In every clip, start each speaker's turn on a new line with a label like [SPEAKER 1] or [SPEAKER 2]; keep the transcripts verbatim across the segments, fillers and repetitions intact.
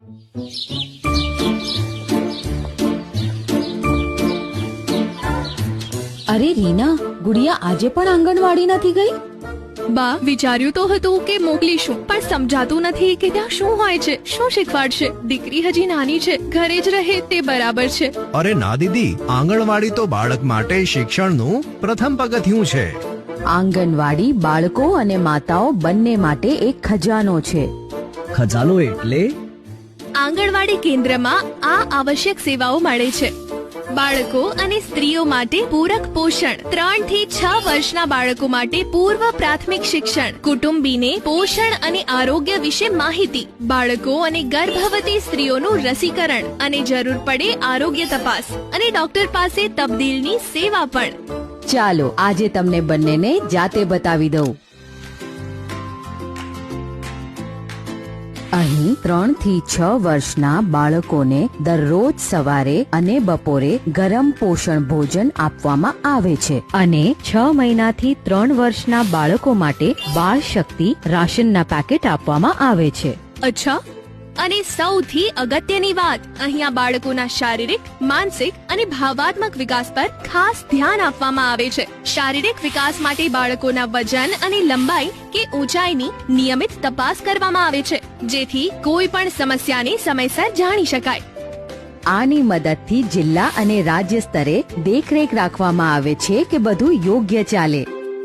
[SPEAKER 1] અરે રીના, ગુડિયા આજે પણ આંગણવાડી નથી ગઈ?
[SPEAKER 2] બા, વિચાર્યું તો હતું કે મોકલીશું, પણ સમજાતું નથી કે ત્યાં શું હોય છે, શું શીખવાડશે. દીકરી હજી નાની છે, ઘરે જ રહે તે બરાબર છે.
[SPEAKER 3] અરે ના દીદી, આંગણવાડી તો બાળક માટે શિક્ષણનું પ્રથમ પગથિયું છે.
[SPEAKER 1] આંગણવાડી બાળકો અને માતાઓ બંને માટે એક ખજાનો છે.
[SPEAKER 4] ખજાનો એટલે?
[SPEAKER 2] આંગણવાડી કેન્દ્રમાં આ આવશ્યક સેવાઓ મળે છે. બાળકો અને સ્ત્રીઓ માટે પૂરક પોષણ, ત્રણ થી છ વર્ષના બાળકો માટે પૂર્વ પ્રાથમિક શિક્ષણ, કુટુંબીને પોષણ અને આરોગ્ય વિશે માહિતી, બાળકો અને ગર્ભવતી સ્ત્રીઓનું રસીકરણ અને જરૂર પડે આરોગ્ય તપાસ અને ડોક્ટર પાસે તબદીલની સેવા પણ.
[SPEAKER 1] ચાલો આજે તમને બંનેને જાતે બતાવી દઉં. અહીં ત્રણ થી છ વર્ષના બાળકોને દરરોજ સવારે અને બપોરે ગરમ પોષણ ભોજન આપવામાં આવે છે અને છ મહિનાથી ત્રણ વર્ષના બાળકો માટે બાળ શક્તિ રાશનના પેકેટ આપવામાં આવે છે.
[SPEAKER 2] અચ્છા, અને સૌથી અગત્યની વાત, અહીંયા બાળકોના શારીરિક, માનસિક અને ભાવાત્મક વિકાસ પર ખાસ ધ્યાન આપવામાં આવે છે. શારીરિક વિકાસ માટે બાળકોના વજન અને લંબાઈ કે ઊંચાઈની નિયમિત તપાસ કરવામાં આવે છે, જેથી કોઈ પણ સમસ્યાને સમયસર જાણી શકાય.
[SPEAKER 1] આની મદદથી જિલ્લા અને રાજ્ય સ્તરે દેખરેખ રાખવામાં આવે છે કે બધું યોગ્ય ચાલે.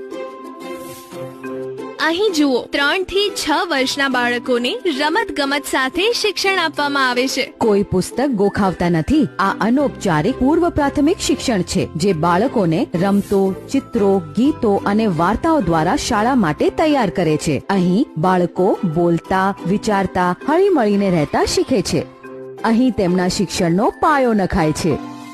[SPEAKER 2] અહીં જુઓ, ત્રણ થી છ વર્ષના બાળકોને રમત ગમત સાથે શિક્ષણ આપવામાં આવે છે.
[SPEAKER 1] કોઈ પુસ્તક ગોખાવતા નથી. આ અનૌપચારિક પૂર્વ પ્રાથમિક શિક્ષણ છે જે બાળકોને રમતો, ચિત્રો, ગીતો અને વાર્તાઓ દ્વારા શાળા માટે તૈયાર કરે છે. અહીં બાળકો બોલતા, વિચારતા, હળીમળીને રહેતા શીખે છે. અહીં તેમના શિક્ષણનો પાયો નખાય છે.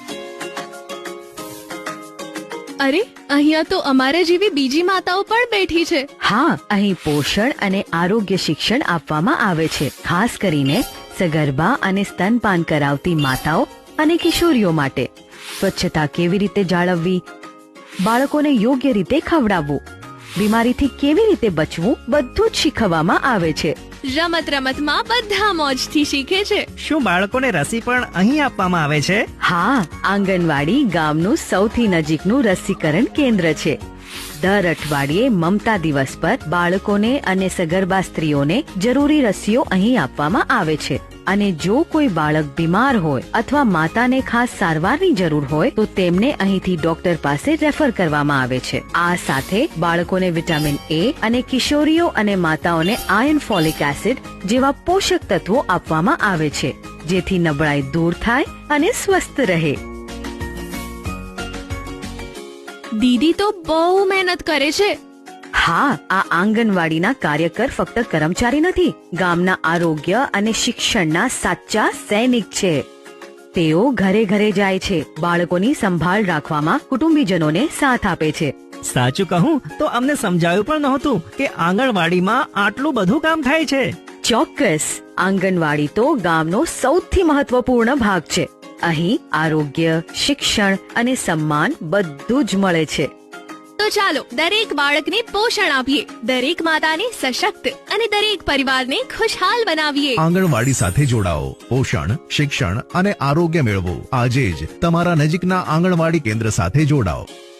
[SPEAKER 2] અરે, અહીંયા તો અમારા જેવી બીજી માતાઓ પણ બેઠી છે.
[SPEAKER 1] હા, અહીં પોષણ અને આરોગ્ય શિક્ષણ આપવામાં આવે છે, ખાસ કરીને સગર્ભા અને સ્તનપાન કરાવતી માતાઓ અને કિશોરીઓ માટે. સ્વચ્છતા કેવી રીતે જાળવવી, બાળકોને યોગ્ય રીતે ખવડાવવું, બીમારીથી કેવી રીતે બચવું, બધું જ શીખવવામાં આવે છે.
[SPEAKER 2] રમત રમતમાં બધા મોજથી શીખે છે.
[SPEAKER 4] શું બાળકોને રસી પણ અહીં આપવામાં આવે છે?
[SPEAKER 1] હા, આંગણવાડી ગામનું સૌથી નજીકનું રસીકરણ કેન્દ્ર છે. દર અઠવાડિયે મમતા દિવસ પર બાળકોને અને સગર્ભા સ્ત્રીઓને જરૂરી રસીઓ અહીં આપવામાં આવે છે. અને જો કોઈ બાળક બીમાર હોય અથવા માતાને ખાસ સારવારની જરૂર હોય તો તેમને અહીંથી ડોક્ટર પાસે રેફર કરવામાં આવે છે. આ સાથે બાળકોને વિટામિન એ અને કિશોરીઓ અને માતાઓને આયર્ન, ફોલિક એસિડ જેવા પોષક તત્વો આપવામાં આવે છે, જેથી નબળાઈ દૂર થાય અને સ્વસ્થ રહે.
[SPEAKER 2] દીદી તો બહુ મહેનત કરે છે.
[SPEAKER 1] હા, આ આંગણવાડીના કાર્યકર ફક્ત કર્મચારી નથી, ગામના આરોગ્ય અને શિક્ષણના સાચા સૈનિક છે. તેઓ ઘરે ઘરે જાય છે, બાળકોની સંભાળ રાખવામાં કુટુંબીજનોને સાથ આપે છે.
[SPEAKER 4] સાચું કહું તો અમને સમજાયું પણ નહોતું કે આંગણવાડીમાં આટલું બધું કામ થાય છે.
[SPEAKER 1] ચોક્કસ, આંગણવાડી તો ગામનો સૌથી મહત્વપૂર્ણ ભાગ છે. અહીં આરોગ્ય, શિક્ષણ અને સન્માન બધું જ મળે છે.
[SPEAKER 2] તો ચાલો દરેક બાળકને પોષણ આપીએ, દરેક માતાને સશક્ત અને દરેક પરિવારને ખુશહાલ બનાવીએ.
[SPEAKER 3] આંગણવાડી સાથે જોડાઓ, પોષણ, શિક્ષણ અને આરોગ્ય મેળવો. આજે જ તમારા નજીકના આંગણવાડી કેન્દ્ર સાથે જોડાઓ.